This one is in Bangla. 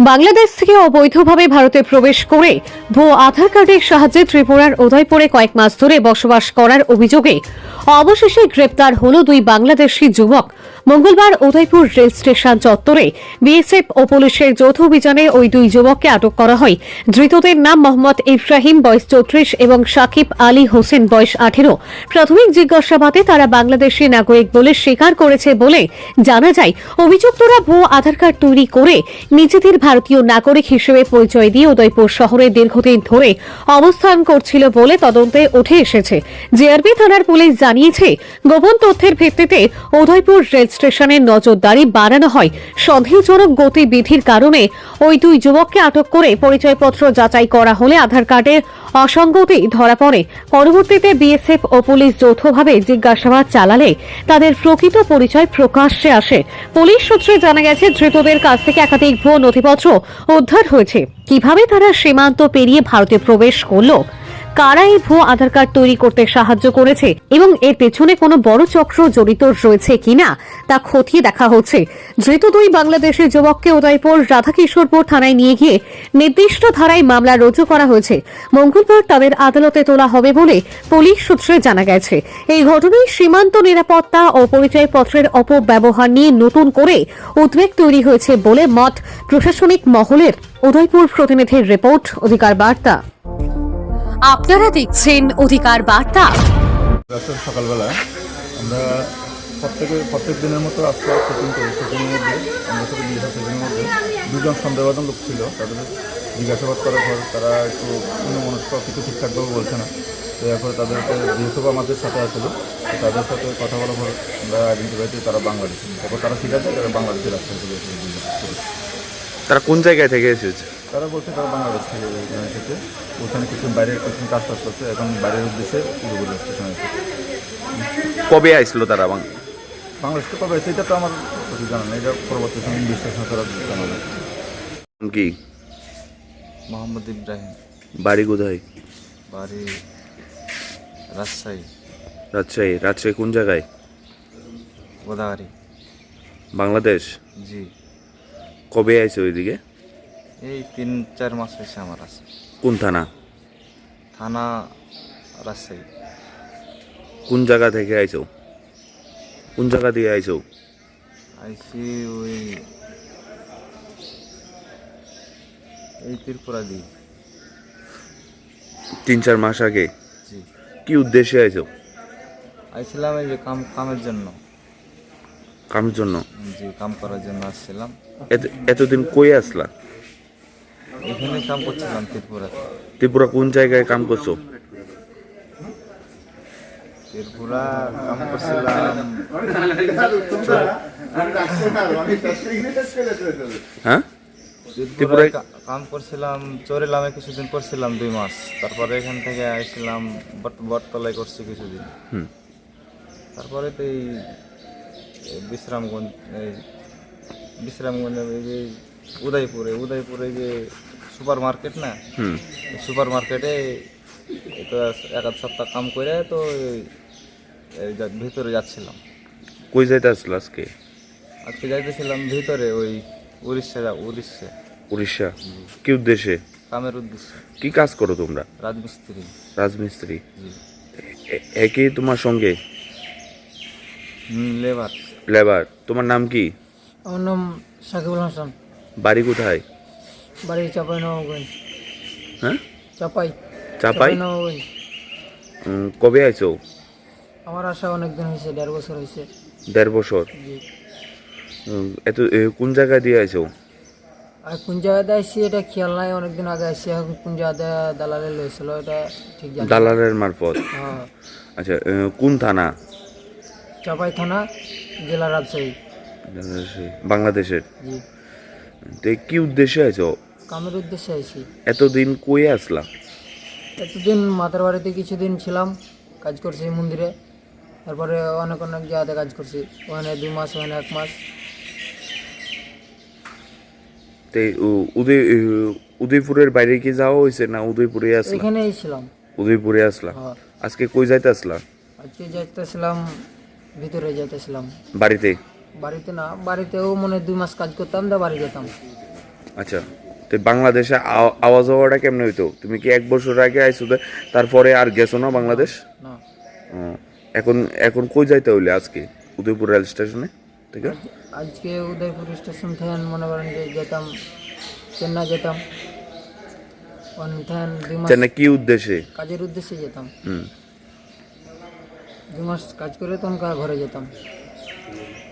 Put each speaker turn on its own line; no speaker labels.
বাংলাদেশ থেকে অবৈধভাবে ভারতে প্রবেশ করে ভুয়ো আধার কার্ডের সাহায্যে ত্রিপুরার উদয়পুরে কয়েক মাস ধরে বসবাস করার অভিযোগে অবশেষে গ্রেপ্তার হল দুই বাংলাদেশি যুবক। মঙ্গলবার উদয়পুর রেল স্টেশন চত্বরে বিএসএফ ও পুলিশের যৌথ অভিযানে ওই দুই যুবককে আটক করা হয়। ধৃতদের নাম মোহাম্মদ ইব্রাহিম বয়স 34 এবং সাকিব আলী হোসেন বয়স 18। প্রাথমিক জিজ্ঞাসাবাদে তারা বাংলাদেশি নাগরিক বলে স্বীকার করেছে বলে জানা যায়। অভিযুক্তরা ভুয়ো আধার কার্ড তৈরি করে নিজেদের ভারতীয় নাগরিক হিসেবে পরিচয় দিয়ে উদয়পুর শহরে দীর্ঘদিন ধরে অবস্থান করছিল বলে তদন্তে উঠে এসেছে। জেআরবি থানার পুলিশ জানিয়েছে, গোপন তথ্যের ভিত্তিতে উদয়পুর রেল স্টেশনের নজরদারি বাড়ানো হয়। সন্দেহজনক গতিবিধির কারণে ওই দুই যুবককে আটক করে পরিচয়পত্র যাচাই করা হলে আধার কার্ডের অসঙ্গতি ধরা পড়ে। পরবর্তীতে বিএসএফ ও পুলিশ যৌথভাবে জিজ্ঞাসাবাদ চালালে তাদের প্রকৃত পরিচয় প্রকাশ্যে আসে। পুলিশ সূত্রে জানা গেছে, ধৃতদের কাছ থেকে একাধিক ভুয়ো নথিপত্র উদ্ধার হয়েছে। কিভাবে তারা সীমান্ত পেরিয়ে ভারতে প্রবেশ করল, কারা এই ভুয়ো আধার কার্ড তৈরি করতে সাহায্য করেছে এবং এর পেছনে কোনো বড় চক্র জড়িত রয়েছে কিনা তা খতিয়ে দেখা হচ্ছে। ধৃত দুই বাংলাদেশি যুবককে উদয়পুর রাধাকিশোরপুর থানায় নিয়ে গিয়ে নির্দিষ্ট ধারায় মামলা রুজু করা হয়েছে। মঙ্গলবার তাদের আদালতে তোলা হবে বলে পুলিশ সূত্রে জানা গেছে। এই ঘটনায় সীমান্ত নিরাপত্তা ও পরিচয়পত্রের অপব্যবহার নিয়ে নতুন করে উদ্বেগ তৈরি হয়েছে বলে মত প্রশাসনিক মহলের। উদয়পুর প্রতিনিধির রিপোর্ট, অধিকার বার্তা। আপনারা দেখছেন অধিকার বার্তা।
সকালবেলা আমরা প্রত্যেক দিনের মতো আজকে চেকিং করি। চেকিংয়ের মধ্যে আমরা সাথে চেকিংয়ের মধ্যে দুজন সন্দেহবাদন লোক ছিল। তাদের জিজ্ঞাসাবাদ করার পর তারা একটু অন্যমনস্ক, কিছু ঠিকঠাকভাবে বলছে না। তো এরপরে তাদেরকে যেহেতু আমাদের সাথে আসলো, তাদের সাথে কথা বলার পর আমরা আইডেন্টিফাই করি তারা বাংলাদেশি। তারপর তারা ঠিক আছে, তারা বাংলাদেশের রাস্তায় চলে এসেছে।
তারা কোন জায়গায় থেকে এসেছে?
তারা বলছে তারা বাংলাদেশ থেকে এসেছে। ওখানে কিছু বাইরের কিছু কাজ করছে, এখন বাইরের উদ্দেশ্যে উদয়পুর স্টেশনে এসেছে।
কবে আসলো তারা?
বাংলাদেশ তো কবে সেটা তো আমার কিছু জানা নেই। এটা পরবর্তী সময় বিশ্লেষণ করার জানা নেই।
কি
মোহাম্মদ ইব্রাহিম,
বাড়ি কোথায়?
বাড়ি রাজশাহী।
রাজশাহী কোন জায়গায়?
গোদাগাড়ি।
বাংলাদেশ?
জি।
কবে আইছে ওইদিকে?
এই 3-4 মাস হয়েছে আমার আছে।
কোন থানা?
থানা রাজশাহী।
কোন জায়গা থেকে আইছো? কোন জায়গা দিয়ে আইছো?
আইসি ওই এই ত্রিপুরা দি।
3-4 মাস আগে?
জি।
কি উদ্দেশ্যে আইছো?
আইছিলাম এই যে কামের জন্য।
কামের জন্য?
জি, কাম করার জন্য আসছিলাম।
এতদিন কই আসলা?
এখানে কাম করছিলাম ত্রিপুরাতে।
ত্রিপুরা কোন জায়গায় কাম করছো?
ত্রিপুরা কাম করছিলাম,
হ্যাঁ
ত্রিপুরায় কাম করছিলাম। চোরেলামে কিছুদিন করছিলাম 2 মাস। তারপরে এখান থেকে আসছিলাম বটতলায় করছি কিছুদিন। তারপরে তো এই বিশ্রামগঞ্জ এই উদয়পুরে যে সুপার মার্কেট না, সুপার মার্কেটে তো 1 সপ্তাহ কাম করে তো ভিতরে যাচ্ছিলাম।
কই যাইতে আসলো আজকে?
আজকে যাইতেছিলাম ভিতরে ওই উড়িষ্যা।
উড়িষ্যা? কি উদ্দেশ্যে?
কামের উদ্দেশ্যে।
কি কাজ করো তোমরা? রাজমিস্ত্রি?
জি।
একই তোমার সঙ্গে? লেবার। তোমার নাম কি?
আমার নাম সাকিবুল হাসান।
বাড়ি কোথায়?
বাড়ি চাপাই নবাবগঞ্জ।
হ্যাঁ,
চাপাই নবাবগঞ্জ।
কবে আইছো?
আমার আসা অনেকদিন হয়েছে, 1.5 বছর হয়েছে।
1.5 বছর?
জি।
কোন জায়গায় দিয়ে আইছো?
আর কোন জায়গাতে আসছি এটা খেয়াল নাই, অনেকদিন আগে আসছি। এখন কোন জায়গাতে দালালে লইছিল এটা ঠিক জানি।
দালালের মারফত?
হ্যাঁ।
আচ্ছা, কোন থানা?
চাপাই থানা, জেলা রাজশাহী,
বাংলাদেশের?
জি।
তো কি উদ্দেশ্যে আইছো?
কামের উদ্দেশ্যে আইছি।
এতদিন কই আসলা?
এতদিন মাতার বাড়িতে কিছুদিন ছিলাম, কাজ করছি মন্দিরে। তারপরে অনেক জায়গাতে কাজ করছি, ওখানে 2 মাস, ওখানে 1 মাস।
উদয়পুরের বাইরে কি যাওয়া হয়েছে না উদয়পুরে আসলা?
এখানেই ছিলাম।
উদয়পুরে আসলা?
হ্যাঁ।
আজকে কই যাইতে আসলা?
আজকে যাইতেছিলাম ভিতরে, যাইতেছিলাম
বাড়িতে?
বাড়িতে না, বাড়িতেও মনে 2 মাস কাজ করতাম, বাড়ি যেতাম।
আচ্ছা, তো বাংলাদেশে আওয়াজ হওয়াটা কেমনে হইতো? তুমি কি 1 বছর আগে আইছো তারপরে আর গেছো না বাংলাদেশ?
না,
ও, এখন এখন কই যাইতে হইলে আজকে উদয়পুর রেল স্টেশনে থেকে?
আজকে উদয়পুর স্টেশন থেকে মনে করেন যে যেতাম চেন্নাই যেতাম, ওখান থেকে 2 মাস
চেন্নাই কি উদ্দেশ্যে?
কাজের উদ্দেশ্যে যেতাম।
হুম।
2 মাস কাজ করে তখন ঘরে যেতাম।